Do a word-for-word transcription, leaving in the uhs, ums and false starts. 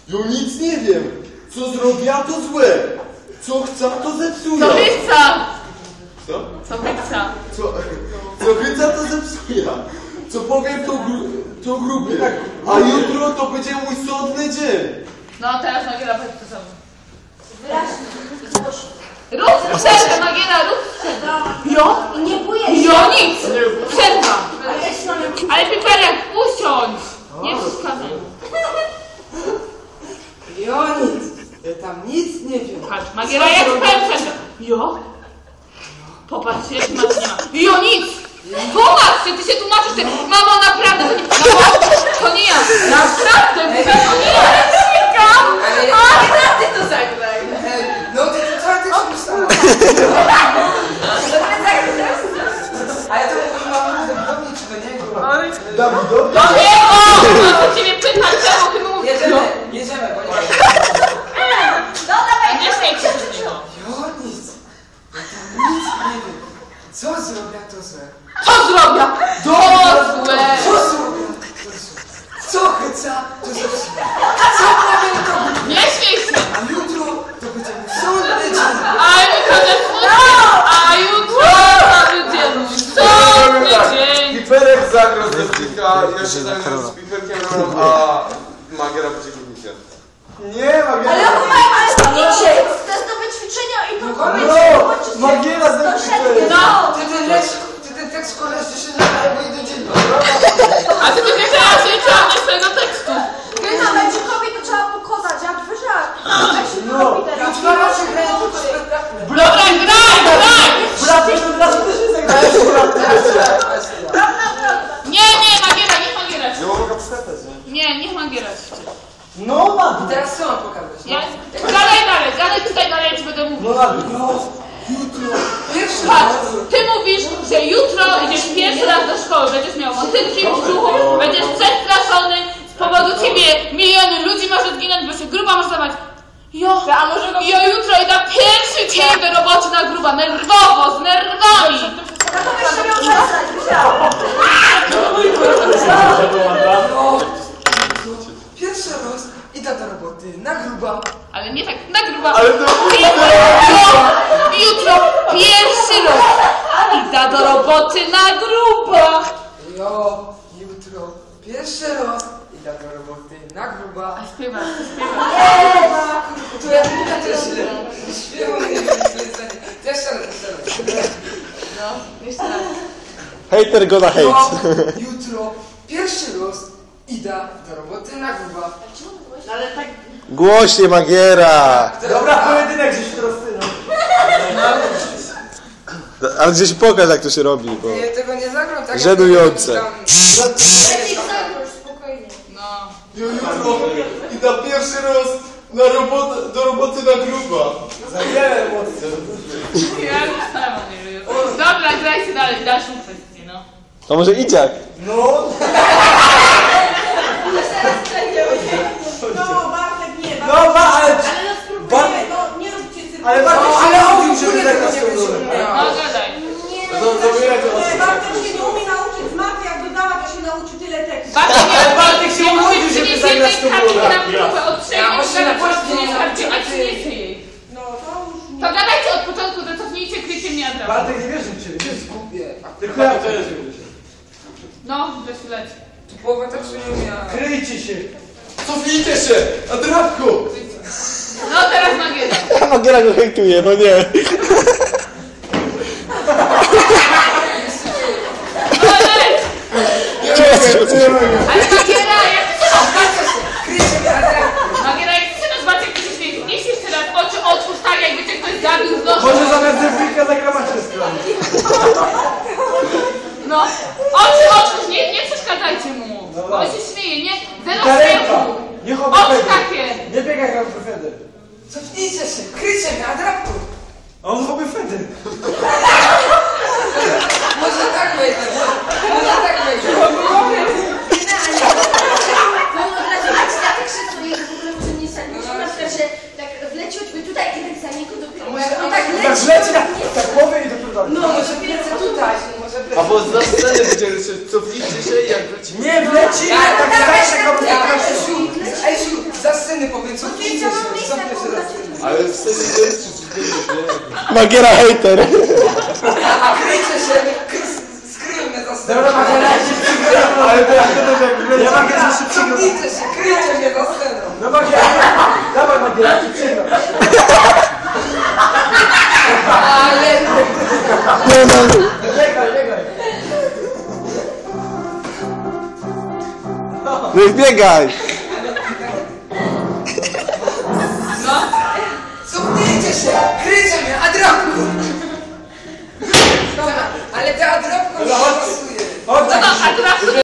Ja nic nie wiem. Co zrobiła, to złe. Co chce, to zepsuje. Co chyca? Co? Co chyca? Co, co chyca, to zepsuje. Co powiem, to, gru, to grubie. A jutro to będzie mój sądny dzień. No teraz Magiera powiedz to samo. Wyraźnie. Rób przerwę, Magiera, rób przerwę. Jo? I nie bójesz się. Jo, nic! Przerwa! Ale ja się na mnie... Ale Piperek, usiądź! Nie przeszkadzaj. Jo, nic. Ja tam nic nie wiem. Patrz, Magiera, jak powiem przerwę. Jo? Popatrzcie, jak masz nie ma. Jo, nic! Tłumacz się, ty się tłumaczysz, ty... Mamo, naprawdę, to nie... Mamo, to nie ja. Naprawdę, to nie ja. Sikam! Ale ja... Ty to zagraj. No ty to co ty się myślała? Ale to mówi mama do mnie czy do niego? Dawidowi? Do niego! Mam do ciebie pytać, czemu ty mówisz? Jedziemy, jedziemy, bo nie... No dawaj, A nie śmiej się z niego. Jo, nic. Ja tam nic nie wiem. Co zrobię, to złe. Co zrobię? To złe! Co zrobię, to złe. Co chyca, to zepsuje. Co powiem, to głupie. Nie śmiej się! A jutro to będzie mój sądny dzień. A jutro też smutny! A jutro cały dzień! Sądny dzień! Piperek zagrał z Piperka, ja się zajmę z Piperkiem rolą, a Magiera będzie górnikiem. Nie, Magiera. Ale opowiem, ale idźcie. To jest nowe ćwiczenia i to koniec. No, Magiera z Piperkiem. No! Ty ten lecz, ty ten tekst koleś się nadaje, bo idę dzień. A ty będziesz teraz nie czytał swojego tekstu! Gryna, Męczykowi to trzeba pokonać, jak wyżak. Jak się No. robi teraz? Jutro raczej grają tylko spektakle. Dobra, graj, graj! Braty, to braty też nie zagrają. Prawda, prawda. Nie, nie, Magiera, niech Magiera Nie mogę przestać, nie? Nie, niech Magiera No, Magiera. Teraz co mam pokazać? Ja... Gadaj dalej, gadaj tutaj dalej, ja ci będę mówił. No, Magiera. Jutro. Pierwszy Patrz, ty mówisz, że jutro idziesz pierwszy raz do szkoły, będziesz miał motylki w brzuchu, będziesz przestraszony, z powodu ciebie miliony ludzi może zginąć, bo się gruba może zabrać. Jo, jo, jutro idę pierwszy dzień do roboty na gruba, nerwowo, z nerwami. Ja to jeszcze miał zostać, wyżak. No, pierwszy raz idę do roboty na gruba. Ale nie tak, na gruba. Ale to... Jutro, jutro pierwszy raz idę do roboty na gruba. Jo, jutro pierwszy raz idę do roboty na gruba. A śpiewa, śpiewa. To ja mówię też źle. Śpiewam, nie wiem, co jest zdanie. Też raz, też raz. No, jeszcze raz. Hater gonna hate. Jo, jutro pierwszy raz idę do roboty na gruba. Ale tak... Głośnie Magiera. Dobra, pojedynek, że się teraz ty, no. Ale gdzieś pokaż jak to się robi, bo... Ja tego nie zagram tak. Żenujące. jak tam- Lepiej zagroż, spokojnie. No. Ja jutro idę pierwszy raz na robotę, do roboty na gruba. Za wiele emocji. Ja już sama nie wiem. Dobra, grajcie dalej, dalszą kwestię, no. To może Iciak? No. No, Bartek nie, Bartek. No, ba, ale... Ale no spróbujmy, no nie róbcie cyrku. Ale Bartek No, się ale nauczył, on w żeby ogóle zagrać tego nie tą rolę. wyciągnęła. No, gadaj. Nie, To zabieraj to nie, Bartek się nie umie nauczyć z matmy, jak dodała, to się nauczy tyle tekstu. Bartek, Ale Bartek się nie urodził, musisz żeby przynieść zagrać jednej tą kartki rolę. na próbę, od trzech Ja jest właśnie na kartki, polsku nie przynieść kartki, nauczę, a a ty- przyniesie jej. No, to już nie. To gadajcie od początku, to cofnijcie, kryjcie mnie od razu. Bartek nie wierzy w ciebie. To jest głupie. Tylko ja to jest. No, weź leci. Tu połowa tak się nie umiała. Kryjcie się. Cofnijcie się. Adrapku. No, teraz Magiera. Magiera go hejtuje, no nie. No, leć. Ale Magiera, jak Kryjcie mnie, ale... Magiera, jak chcesz zobaczyć, jak ty się śmieje, nieś jeszcze raz oczy otwórz tak, jakby cię ktoś zabił z nożem. Może zamiast zerwika zagramacie stronę. No, oczy otwórz, nie, nie przeszkadzajcie mu. Bo on się śmieje, nie? Zero Karenka. śmiechu. Nie Oczy chowaj takie. Nie biegaj jak Feder. Cofnijcie się, kryjcie mnie, adrapku. A on chowy Feder. Może tak wejdę, może tak wejdę. No od razu, a ci tak krzyczuje, że w ogóle może nie sami. Musimy na przykład, że tak wleciutby tutaj i tak za niego dopiero. Może No on tak tak Tak leci. leci na tak głowy i dopiero dalej. No, może lecę tutaj, może wlecę. Albo z sceny będzie, że cofnijcie się i jak wrócimy. Nie wleci, Ja tak tak starsze kobiety. Ja, Esiu, Esiu, za sceny po Magiera hejter. Kryjcie się, kry- skryjmy za sceną. Dobra, Magiera, ja się przygram. Ale to jak to też jak wleci. Ja Magiera, się przygnijcie się, kryjcie mnie za sceną. No Magiera, dawaj Magiera, ja ci przygram. Ale... Nie no. Biegaj, biegaj. No i biegaj. Cofnijcie się, kryjcie mnie, Adropku. Dobra, ale ta Adropku mi nie pasuje. Chodź, No, a teraz